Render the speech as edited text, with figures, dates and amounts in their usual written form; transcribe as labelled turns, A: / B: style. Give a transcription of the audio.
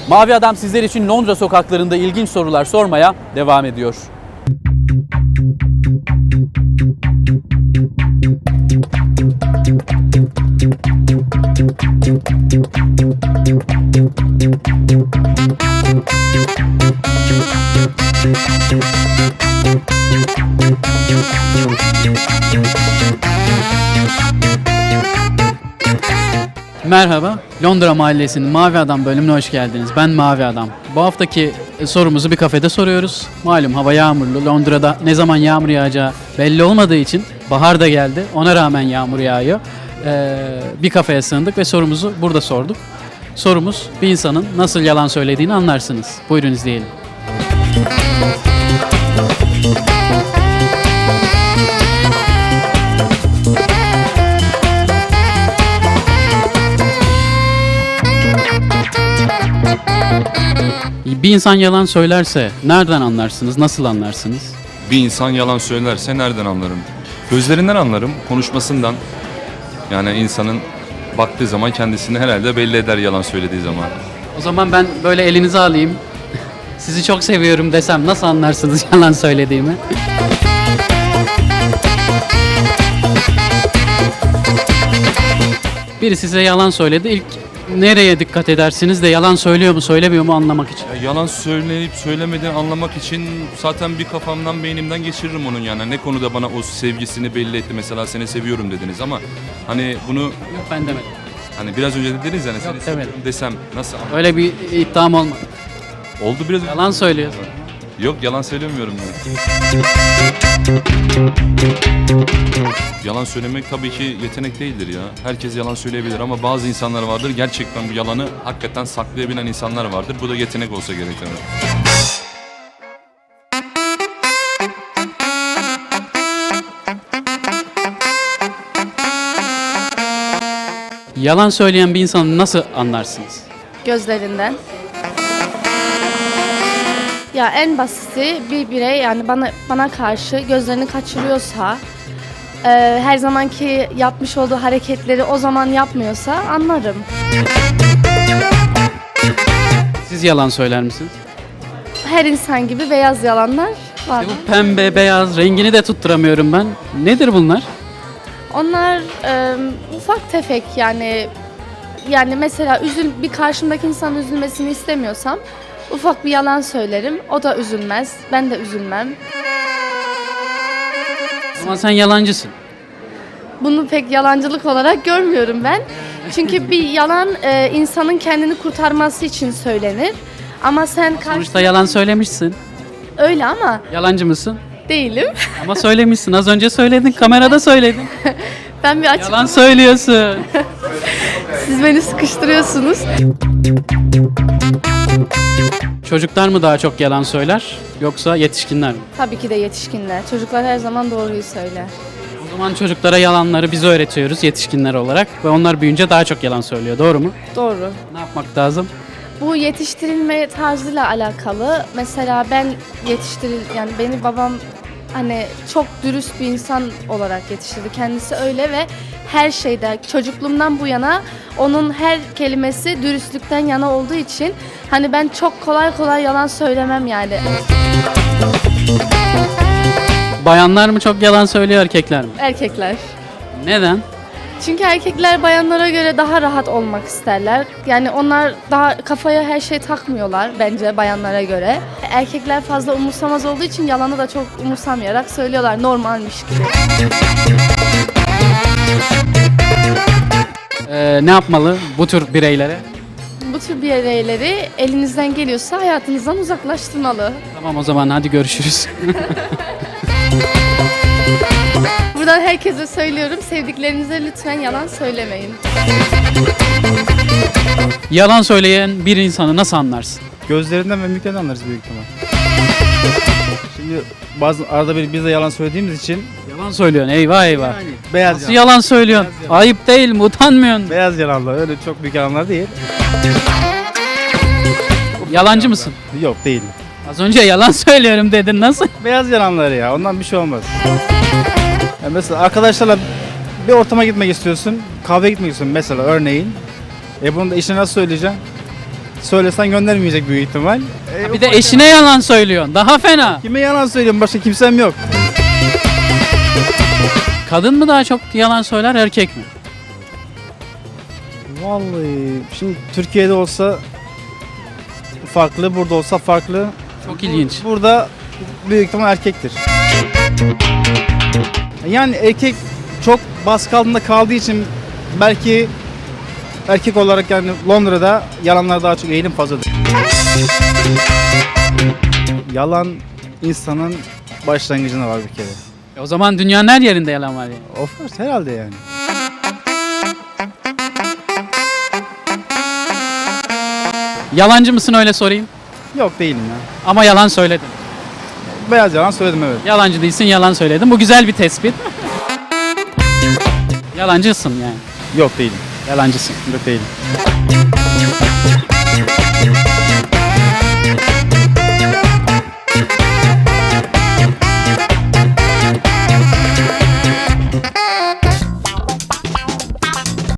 A: Mavi Adam sizler için Londra sokaklarında ilginç sorular sormaya devam ediyor.
B: Merhaba, Londra Mahallesi'nin Mavi Adam bölümüne hoş geldiniz. Ben Mavi Adam. Bu haftaki sorumuzu bir kafede soruyoruz. Malum hava yağmurlu. Londra'da ne zaman yağmur yağacağı belli olmadığı için bahar da geldi. Ona rağmen yağmur yağıyor. Bir kafeye sığındık ve sorumuzu burada sorduk. Sorumuz, bir insanın nasıl yalan söylediğini anlarsınız. Buyurun izleyelim. Bir insan yalan söylerse nereden anlarsınız, nasıl anlarsınız?
C: Bir insan yalan söylerse nereden anlarım? Gözlerinden anlarım, konuşmasından. Yani insanın baktığı zaman kendisini herhalde belli eder yalan söylediği zaman.
B: O zaman ben böyle elinizi alayım, sizi çok seviyorum desem nasıl anlarsınız yalan söylediğimi? Biri size yalan söyledi, ilk nereye dikkat edersiniz de yalan söylüyor mu söylemiyor mu anlamak için?
C: Ya yalan söyleyip söylemediğini anlamak için zaten bir kafamdan beynimden geçiririm onun yani. Ne konuda bana o sevgisini belli etti, mesela seni seviyorum dediniz ama hani bunu
B: Yok ben demedim.
C: hani biraz önce dediniz yani seni
B: Yok,
C: seviyorum
B: demedim.
C: desem nasıl
B: Öyle bir iddiam olmadı.
C: oldu biraz önce.
B: Yalan söylüyorsun.
C: Yok yalan söylemiyorum ben. Yalan söylemek tabii ki yetenek değildir ya. Herkes yalan söyleyebilir ama bazı insanlar vardır gerçekten bu yalanı hakikaten saklayabilen insanlar vardır. Bu da yetenek olsa gerek tabii.
B: Yalan söyleyen bir insanı nasıl anlarsınız?
D: Gözlerinden. Ya en basiti bir birey yani bana karşı gözlerini kaçırıyorsa, her zamanki yapmış olduğu hareketleri o zaman yapmıyorsa anlarım.
B: Siz yalan söyler misiniz?
D: Her insan gibi beyaz yalanlar var.
B: Bu pembe, beyaz rengini de tutturamıyorum ben. Nedir bunlar?
D: Onlar ufak tefek yani mesela bir karşımdaki insanın üzülmesini istemiyorsam ufak bir yalan söylerim. O da üzülmez. Ben de üzülmem.
B: Ama sen yalancısın.
D: Bunu pek yalancılık olarak görmüyorum ben. Çünkü bir yalan insanın kendini kurtarması için söylenir. Ama sen
B: Sonuçta yalan söylemişsin.
D: öyle ama
B: Yalancı mısın?
D: değilim.
B: Ama söylemişsin. Az önce söyledin. Kamerada söyledin.
D: Ben bir
B: Yalan
D: açıklama.
B: söylüyorsun.
D: Siz beni sıkıştırıyorsunuz.
B: Çocuklar mı daha çok yalan söyler yoksa yetişkinler mi?
D: Tabii ki de yetişkinler. Çocuklar her zaman doğruyu söyler.
B: O zaman çocuklara yalanları biz öğretiyoruz yetişkinler olarak ve onlar büyüyünce daha çok yalan söylüyor. Doğru mu?
D: Doğru.
B: Ne yapmak lazım?
D: Bu yetiştirilme tarzıyla alakalı. Mesela yani beni babam hani çok dürüst bir insan olarak yetiştirdi. Kendisi öyle ve her şeyde çocukluğumdan bu yana onun her kelimesi dürüstlükten yana olduğu için hani ben çok kolay kolay yalan söylemem yani.
B: Bayanlar mı çok yalan söylüyor erkekler mi?
D: Erkekler.
B: Neden?
D: Çünkü erkekler bayanlara göre daha rahat olmak isterler. Yani onlar daha kafaya her şey takmıyorlar bence bayanlara göre. Erkekler fazla umursamaz olduğu için yalanı da çok umursamayarak söylüyorlar normalmiş gibi.
B: Ne yapmalı bu tür bireylere?
D: Bu tür bireyleri elinizden geliyorsa hayatınızdan uzaklaştırmalı.
B: Tamam o zaman hadi görüşürüz.
D: Buradan herkese söylüyorum, sevdiklerinize lütfen yalan söylemeyin.
B: Yalan söyleyen bir insanı nasıl anlarsın?
E: Gözlerinden ve mimiklerinden anlarız büyük ihtimal. Şimdi arada bir biz de yalan söylediğimiz için
B: Yalan söylüyorsun eyvah eyvah.
E: beyaz
B: Nasıl yalan söylüyorsun?
E: Beyaz yalan.
B: Ayıp değil mi? Utanmıyorsun.
E: Beyaz yalanlar öyle çok büyük yalanlar değil.
B: Yalancı mısın?
E: Yok değil.
B: Az önce yalan söylüyorum dedin. Nasıl?
E: Beyaz yalanlar ya ondan bir şey olmaz. Ya mesela arkadaşlarla bir ortama gitmek istiyorsun, kahveye gitmek istiyorsun mesela örneğin. Bunu da işine nasıl söyleyeceksin? söylesen göndermeyecek büyük ihtimal.
B: Bir de eşine yalan söylüyorsun. Daha fena.
E: Kime yalan söylüyorum? Başka kimsem yok.
B: Kadın mı daha çok yalan söyler, erkek mi?
E: Vallahi şimdi Türkiye'de olsa farklı, burada olsa farklı.
B: Çok ilginç.
E: Burada büyük ihtimal erkektir. Yani erkek çok baskı altında kaldığı için belki erkek olarak yani Londra'da yalanlar daha çok eğilim fazladır. Yalan insanın başlangıcında var bir kere.
B: O zaman dünyanın her yerinde yalan var yani.
E: Of course herhalde yani.
B: Yalancı mısın öyle sorayım?
E: Yok değilim ya.
B: Ama yalan söyledin.
E: Beyaz yalan söyledim evet.
B: Yalancı değilsin, yalan söyledin. Bu güzel bir tespit. Yalancısın yani.
E: Yok değilim.
B: Yalancısın.
E: Yok değilim.